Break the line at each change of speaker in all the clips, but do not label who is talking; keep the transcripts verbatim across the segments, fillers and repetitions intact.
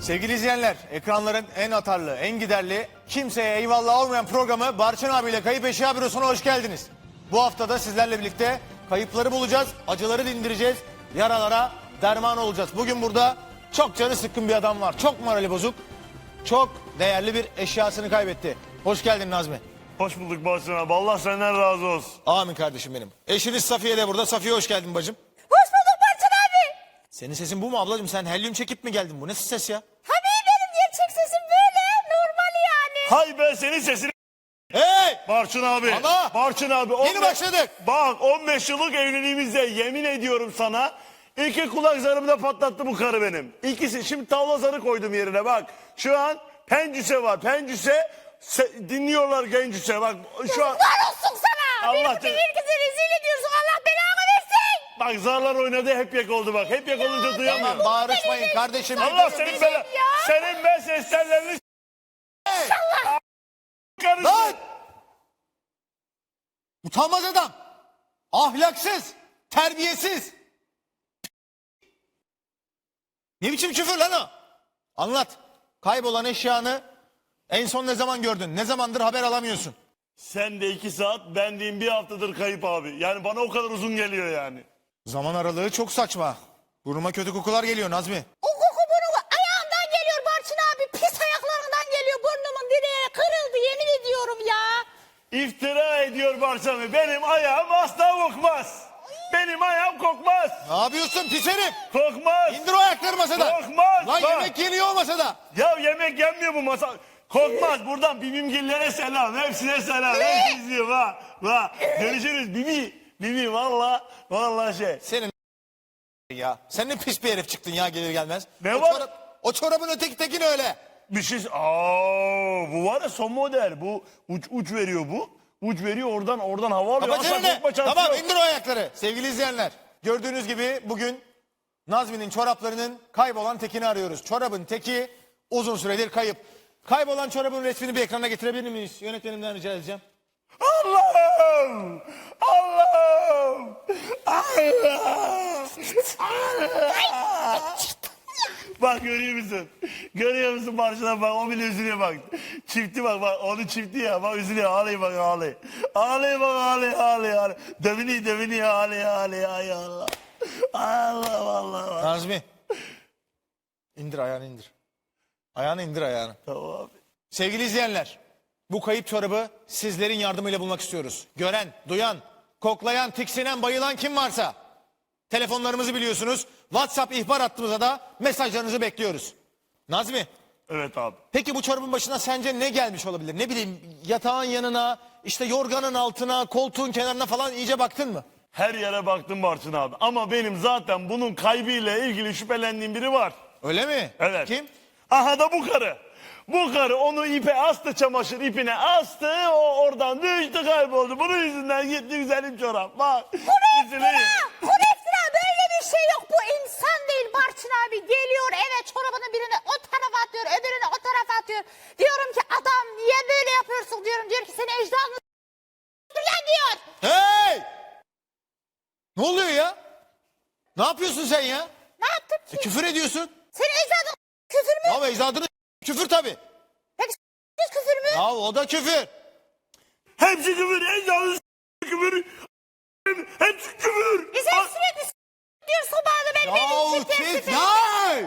Sevgili izleyenler, ekranların en atarlı, en giderli, kimseye eyvallah olmayan programı Barçın abiyle Kayıp Eşya Bürosu'na hoş geldiniz. Bu haftada sizlerle birlikte kayıpları bulacağız, acıları dindireceğiz, yaralara derman olacağız. Bugün burada çok canı sıkkın bir adam var, çok morali bozuk, çok değerli bir eşyasını kaybetti. Hoş geldin Nazmi.
Hoş bulduk Barçın abi. Allah senden razı olsun.
Amin kardeşim benim. Eşiniz Safiye de burada. Safiye hoş geldin bacım.
Hoş bulduk Barçın abi.
Senin sesin bu mu ablacığım? Sen helyum çekip mi geldin? Bu nasıl ses ya?
Tabii benim gerçek sesim böyle. Normal yani.
Hay ben senin sesini...
Hey!
Barçın abi.
Ama-
Barçın abi.
Yeni
on beş
başladık.
Bak on beş yıllık evliliğimizde yemin ediyorum sana. İki kulak zarımı da patlattı bu karı benim. İkisi. Şimdi tavla zarı koydum yerine bak. Şu an pencüse var. Pencüse se- dinliyorlar gencüse. Bak şu an...
Var olsun sana.
Allah
Benim
canım.
bütün herkese rezil ediyorsun. Allah belanı versin.
Bak zarlar oynadı hep yak oldu bak. Hep yak olunca duyamıyorum.
Tamam bağırışmayın kardeşim.
Allah senin ben, senin ben ses tellerini... Karısı.
Lan! Utanmaz adam. Ahlaksız. Terbiyesiz. Ne biçim küfür lan o? Anlat. Kaybolan eşyanı en son ne zaman gördün? Ne zamandır haber alamıyorsun?
Sen de iki saat, ben diyeyim bir haftadır kayıp abi. Yani bana o kadar uzun geliyor yani.
Zaman aralığı çok saçma. Burnuma kötü kokular geliyor Nazmi.
O koku bunu ayağımdan geliyor Barçın abi. Pis ayaklarından geliyor. Burnumun direği kırıldı yemin ediyorum ya.
İftira ediyor Barçın. Benim ayağım asla kokmaz. Benim ayağım kokmaz.
Ne yapıyorsun pis herif?
Kokmaz.
İndir o ayakları masadan.
Kokmaz.
Lan
Bak.
yemek yeniyor o masada.
Ya yemek yenmiyor bu masa. Kokmaz. Buradan Bibimgillere selam. Hepsine selam. Hepsi izliyor. Ha. Ha. Görüşürüz. Bibi. Bibi valla. Valla şey.
Senin ya. Sen ne pis bir herif çıktın ya gelir gelmez.
Ne
o
var?
Çorap, o çorabın öteki tekin öyle.
Bir şey... Aa, bu var ya son model. Bu uç uç veriyor bu. Uç veriyor oradan oradan hava alıyor.
Kapat
Asla
çeneni.
kokma şansı
Tamam
yok.
indir o ayakları. Sevgili izleyenler. Gördüğünüz gibi bugün Nazmi'nin çoraplarının kaybolan tekini arıyoruz. Çorabın teki uzun süredir kayıp. Kaybolan çorabın resmini bir ekrana getirebilir miyiz? Yönetmenimden rica edeceğim.
Allah'ım! Allah'ım! Allah! Allah! Bak görüyor musun? Görüyor musun Barçın'a bak o bile üzülüyor bak. Çifti bak bak onu çifti ya bak üzülüyor ağlıyor bak ağlıyor. Ağlıyor bak ağlıyor ağlıyor ağlıyor. Dövünüyor dövünüyor ağlıyor ağlıyor ay Allah. Allah Allah Allah.
Nazmi. İndir ayağını indir. Ayağını indir ayağını.
Tamam abi.
Sevgili izleyenler. Bu kayıp çorabı sizlerin yardımıyla bulmak istiyoruz. Gören, duyan, koklayan, tiksinen, bayılan kim varsa telefonlarımızı biliyorsunuz. WhatsApp ihbar hattımıza da mesajlarınızı bekliyoruz. Nazmi,
Evet abi.
peki bu çorabın başına sence ne gelmiş olabilir? Ne bileyim yatağın yanına, işte yorganın altına, koltuğun kenarına falan iyice baktın mı?
Her yere baktım Barçın abi. Ama benim zaten bunun kaybıyla ilgili şüphelendiğim biri var.
Öyle mi?
Evet.
Kim?
Aha da bu karı. Bu karı onu ipe astı çamaşır ipine astı. O oradan düştü kayboldu. Bunun yüzünden gitti güzelim çorap. Bak. Üzüleyim.
Kureftira böyle bir şey yok. Bu insan değil Barçın abi. Geliyor eve çorabını birini o tarafa atıyor. Öbürünü o tarafa atıyor. Diyorum ki adam niye böyle yapıyorsun diyorum. Diyor ki seni ecdadını lan diyor.
Hey! Ne oluyor ya? Ne yapıyorsun sen ya?
Ne yaptım
E,
ki?
küfür ediyorsun.
Senin ecdadın küfür mü?
Ama ecdadını küfür tabii.
Peki s- küfür mü?
Ya o da küfür.
Hepsi küfür. En yalnız küfür. Hepsi küfür.
E sen sürekli s- diyorsun bana ben
Yahu
benim için
siz
teessüf
hey!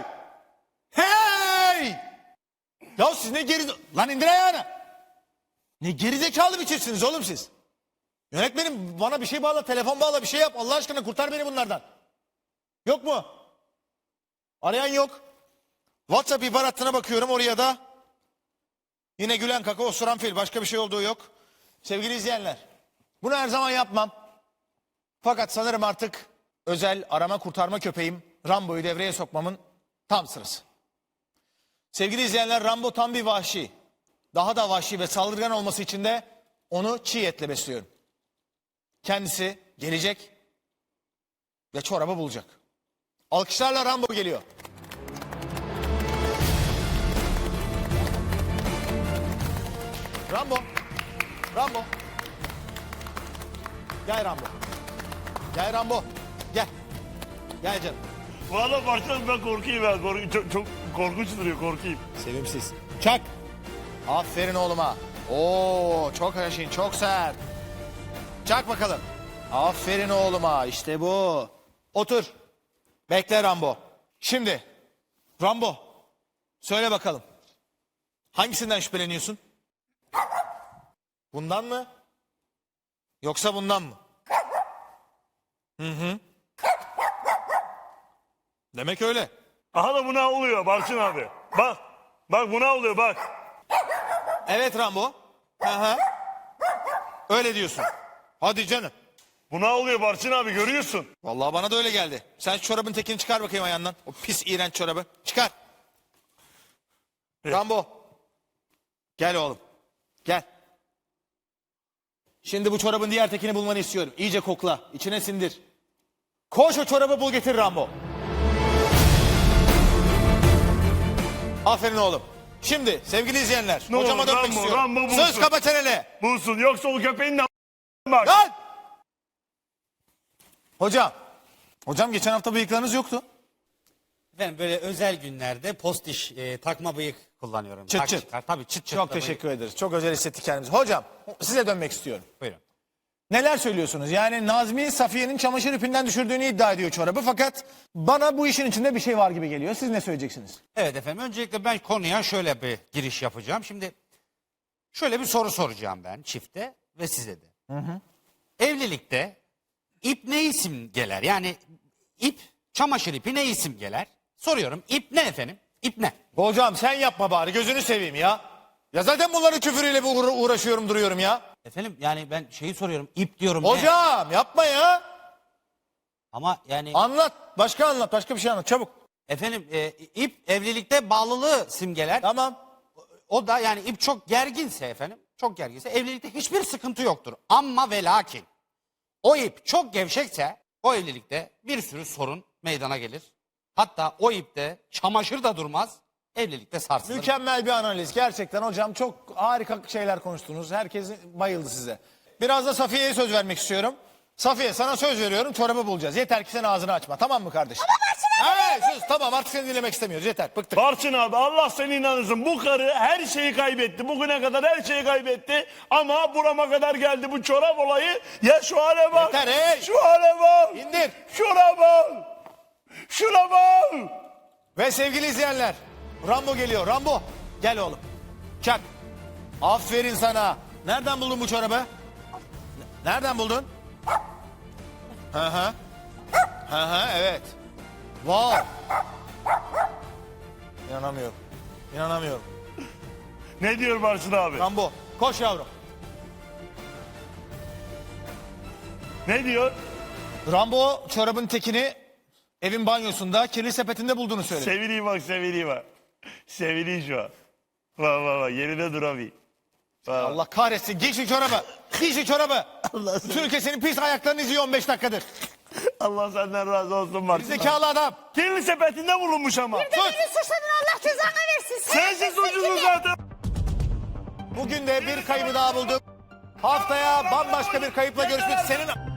Hey! Ya siz ne geri... Lan indir ayağını. Ne gerizekalı bir çiftsiniz oğlum siz. Yönetmenim bana bir şey bağla, telefon bağla, bir şey yap. Allah aşkına kurtar beni bunlardan. Yok mu? Arayan yok. WhatsApp ihbar hattına bakıyorum oraya da. Yine gülen kaka osuran fil. Başka bir şey olduğu yok. Sevgili izleyenler. Bunu her zaman yapmam. Fakat sanırım artık özel arama kurtarma köpeğim Rambo'yu devreye sokmamın tam sırası. Sevgili izleyenler Rambo tam bir vahşi. Daha da vahşi ve saldırgan olması için de onu çiğ etle besliyorum. Kendisi gelecek ve çorabı bulacak. Alkışlarla Rambo geliyor. Rambo. Rambo. Gel Rambo. Gel Rambo. Gel. Gel canım.
Valla Barçın ben korkuyorum ben. Korkuyorum. Çok, çok korkunç duruyor korkayım.
Sevimsiz. Çak. Aferin oğluma. Oo, çok haşin, çok sert. Çak bakalım. Aferin oğluma. İşte bu. Otur. Bekle Rambo. Şimdi Rambo, söyle bakalım. Hangisinden şüpheleniyorsun? Bundan mı? Yoksa bundan mı? Hı hı. Demek öyle.
Aha da buna oluyor Barçın abi. Bak. Bak buna oluyor bak.
Evet Rambo. Hı hı. Öyle diyorsun. Hadi canım.
Buna oluyor Barçın abi görüyorsun.
Vallahi bana da öyle geldi. Sen şu çorabın tekini çıkar bakayım ayağından. O pis iğrenç çorabı. Çıkar. Rambo. Gel oğlum. Gel. Şimdi bu çorabın diğer tekini bulmanı istiyorum. İyice kokla. İçine sindir. Koş o çorabı bul getir Rambo. Aferin oğlum. Şimdi sevgili izleyenler.
Ne
hocama
olur,
dönmek
Rambo,
istiyorum.
Rambo bulsun.
Söz kapa çeneni.
Bulsun yoksa o köpeğin de bak.
Lan! Hocam. Hocam geçen hafta bıyıklarınız yoktu.
Efendim böyle özel günlerde postiş e, takma bıyık kullanıyorum.
Çıt
Tak
çıt.
çıkar. Tabii çıt çıt.
Çok
da
teşekkür ederiz. Çok özel hissettik kendimizi. Hocam size dönmek istiyorum.
bıyık. Buyurun.
Neler söylüyorsunuz? Yani Nazmi Safiye'nin çamaşır ipinden düşürdüğünü iddia ediyor çorabı. Fakat bana bu işin içinde bir şey var gibi geliyor. Siz ne söyleyeceksiniz?
Evet efendim öncelikle ben konuya şöyle bir giriş yapacağım. Şimdi şöyle bir soru soracağım ben çifte ve size de. Evlilikte ip ne isim geler? Yani ip, çamaşır ipi ne isim geler? Soruyorum. İp ne efendim? İp ne?
Hocam sen yapma bari gözünü seveyim ya. Ya zaten bunların küfürüyle bir uğra- uğraşıyorum duruyorum ya.
Efendim yani ben şeyi soruyorum. İp diyorum. ne?
Hocam yapma ya.
Ama yani
Anlat. Başka anlat. Başka bir şey anlat. Çabuk.
efendim e, ip evlilikte bağlılığı simgeler.
Tamam.
O da yani ip çok gerginse efendim, çok gerginse evlilikte hiçbir sıkıntı yoktur. Ama ve lakin o ip çok gevşekse o evlilikte bir sürü sorun meydana gelir. Hatta o ipte çamaşır da durmaz, evlilikte sarsılır.
Mükemmel bir analiz. Gerçekten hocam çok harika şeyler konuştunuz. Herkes bayıldı size. Biraz da Safiye'ye söz vermek istiyorum. Safiye sana söz veriyorum çorabı bulacağız. Yeter ki sen ağzını açma. Tamam mı kardeşim? Evet sus tamam artık seni dinlemek istemiyoruz. Yeter bıktık.
Barçın abi Allah seni inanırsın. Bu karı her şeyi kaybetti. Bugüne kadar her şeyi kaybetti. Ama burama kadar geldi bu çorap olayı. Ya şu hale bak.
Yeter, hey!
Şu hale bak.
İndir.
Şuna bak. Şuna bak.
Ve sevgili izleyenler Rambo geliyor. Rambo gel oğlum. Çak. Aferin sana. Nereden buldun bu çorabı? N- Nereden buldun? Hı hı. Hı hı evet. Wow. İnanamıyorum. İnanamıyorum.
Ne diyor Barçın abi?
Rambo koş yavrum.
Ne diyor?
Rambo çorabın tekini evin banyosunda kirli sepetinde bulduğunu söyledi.
Seviniyor bak seviniyor bak. Seviniyor şu an. Bak bak bak yerine duramıyor. Bak.
Allah kahretsin giy şu çorabı. Giy şu çorabı.
Allah seni-
Türkiye senin pis ayaklarını izliyor on beş dakikadır.
Allah senden razı olsun Barçın abi.
Zekalı adam.
Kirli sepetinde bulunmuş ama.
Bir de beni suçladın Allah cezanı versin.
Sensin suçlusun zaten.
Bugün de bir kaybı daha bulduk. Haftaya bambaşka bir kayıpla görüşmek. Senin